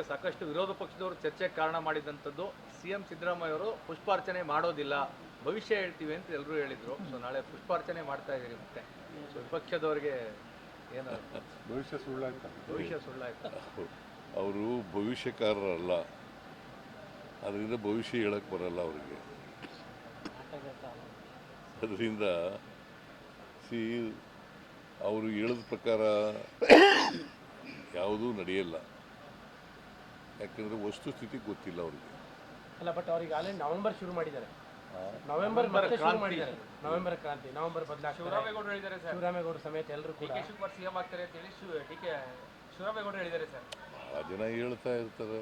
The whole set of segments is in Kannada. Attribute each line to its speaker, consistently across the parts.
Speaker 1: ಸಾಕಷ್ಟು ವಿರೋಧ ಪಕ್ಷದವರು ಚರ್ಚೆಗೆ ಕಾರಣ ಮಾಡಿದಂಥದ್ದು ಸಿಎಂ ಸಿದ್ದರಾಮಯ್ಯ ಅವರು ಪುಷ್ಪಾರ್ಚನೆ ಮಾಡೋದಿಲ್ಲ, ಭವಿಷ್ಯ ಹೇಳ್ತೀವಿ ಅಂತ ಎಲ್ಲರೂ ಹೇಳಿದರು. ಸೊ ನಾಳೆ ಪುಷ್ಪಾರ್ಚನೆ ಮಾಡ್ತಾ ಇದ್ದೀರಿ ಮತ್ತೆ. ಸೊ ವಿಪಕ್ಷದವ್ರಿಗೆ ಏನು
Speaker 2: ಭವಿಷ್ಯ
Speaker 1: ಸುಳ್ಳಾಯ್ತು.
Speaker 3: ಅವರು ಭವಿಷ್ಯಕಾರರಲ್ಲ, ಅದರಿಂದ ಭವಿಷ್ಯ ಹೇಳಕ್ಕೆ ಬರಲ್ಲ ಅವರಿಗೆ. ಅದರಿಂದ ಅವರು ಹೇಳಿದ ಪ್ರಕಾರ ಯಾವುದೂ ನಡೆಯಲ್ಲ. ಯಾಕಂದರೆ ವಸ್ತುಸ್ಥಿತಿ ಗೊತ್ತಿಲ್ಲ ಅವ್ರಿಗೆ.
Speaker 4: ಅಲ್ಲ, ಬಟ್ ಅವ್ರಿಗೆ ಆಲ್ರೆಡಿ ನವೆಂಬರ್ ಶುರು ಮಾಡಿದ್ದಾರೆ. ನವೆಂಬರ್ ಶುರು ಮಾಡಿದ್ದಾರೆ. ನವೆಂಬರ್ ಕ್ರಾಂತಿ, ನವೆಂಬರ್ ಬದಲಾಗ್ತಾರೆ.
Speaker 5: ಶಿವರಾಮೇಗೌಡರು ಹೇಳಿದ್ದಾರೆ ಸರ್.
Speaker 4: ಶಿವರಾಮೇಗೌಡರು ಸಮೇತ ಎಲ್ಲರೂ ಕೂಡ
Speaker 5: ಶಿವಕುಮಾರ್ ಸಿಎಂ ಆಗ್ತಾರೆ ಅಂತ ಹೇಳಿ ಶಿವರಾಮೇಗೌಡರು ಹೇಳಿದ್ದಾರೆ ಸರ್.
Speaker 3: ಆ ಜನ ಹೇಳ್ತಾ ಇರ್ತಾರೆ.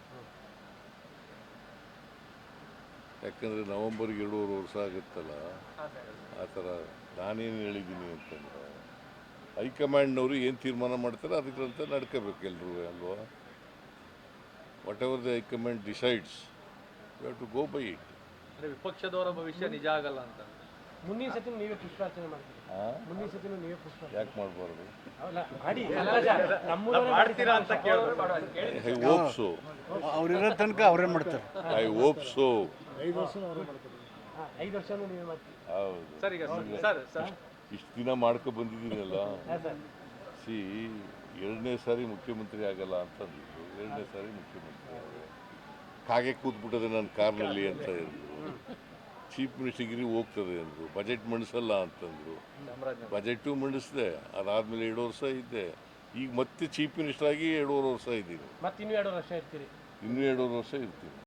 Speaker 3: ಯಾಕಂದರೆ ನವಂಬರ್ಗೆ 2.5 ವರ್ಷ ಆಗುತ್ತಲ್ಲ, ಆ ಥರ ನಾನೇನು ಹೇಳಿದ್ದೀನಿ ಅಂತಂದ್ರೆ ಹೈಕಮಾಂಡ್ನವರು ಏನು ತೀರ್ಮಾನ ಮಾಡ್ತಾರೆ ಅದಕ್ಕಂತ ನಡ್ಕೋಬೇಕು ಎಲ್ಲರೂ ಅಲ್ವಾ. Whatever the high command decides you have to go by it.
Speaker 1: ಅಂದರೆ ವಿಪಕ್ಷದವರ ಭವಿಷ್ಯ ನಿಜ ಆಗಲ್ಲ ಅಂತ.
Speaker 4: ಮುಂದಿನ ಸತಿ ನೀವೇ ಪುಷ್ಪಾರ್ಚನೆ ಮಾಡ್ತೀರಿ. ಮುಂದಿನ ಸತಿ ನೀವೇ ಪುಷ್ಪಾರ್ಚನೆ
Speaker 3: ಯಾಕೆ ಮಾಡಬಾರ್ದು?
Speaker 4: ಮಾಡಿ.
Speaker 1: ಮಾಡ್ತೀರಾ ಅಂತ
Speaker 3: ಐ ಹೋಪ್ ಸೋ.
Speaker 2: ಅವ್ರಿರೋ ತನಕ ಅವರೇ ಮಾಡ್ತಾರೆ.
Speaker 3: I hope so.
Speaker 4: 5 ವರ್ಷನೂ ನೀವೇ ಮಾಡ್ತೀರಿ.
Speaker 3: ಹೌದು
Speaker 1: ಸರ್. ಈಗ ಸರ್
Speaker 3: ಇಷ್ಟು ದಿನ ಮಾಡ್ಕೊ ಬಂದಿದ್ದೀನಲ್ಲ. ಸಿ 2ನೇ ಸಾರಿ ಮುಖ್ಯಮಂತ್ರಿ ಆಗಲ್ಲ ಅಂತಂದಿದ್ರು, 2ನೇ ಸಾರಿ ಮುಖ್ಯಮಂತ್ರಿ ಆಗಿದೆ. ಕಾಗೆ ಕೂತ್ಬಿಟ್ಟದೆ ನನ್ನ ಕಾರ್ನಲ್ಲಿ ಅಂತ ಹೇಳಿದ್ರು. ಚೀಫ್ ಮಿನಿಸ್ಟರ್ಗಿರಿ ಹೋಗ್ತದೆ ಅಂದರು. ಬಜೆಟ್ ಮಂಡಿಸಲ್ಲ ಅಂತಂದರು. ಬಜೆಟು ಮಂಡಿಸಿದೆ, ಅದಾದಮೇಲೆ 2 ವರ್ಷ ಇದ್ದೆ. ಈಗ ಮತ್ತೆ ಚೀಫ್ ಮಿನಿಸ್ಟರ್ ಆಗಿ 2.5 ವರ್ಷ ಇದ್ದೀನಿ.
Speaker 4: ಮತ್ತೆ ಇನ್ನೂ 2 ವರ್ಷ ಇರ್ತೀರಿ.
Speaker 3: ಇನ್ನೂ 2 ವರ್ಷ ಇರ್ತೀನಿ.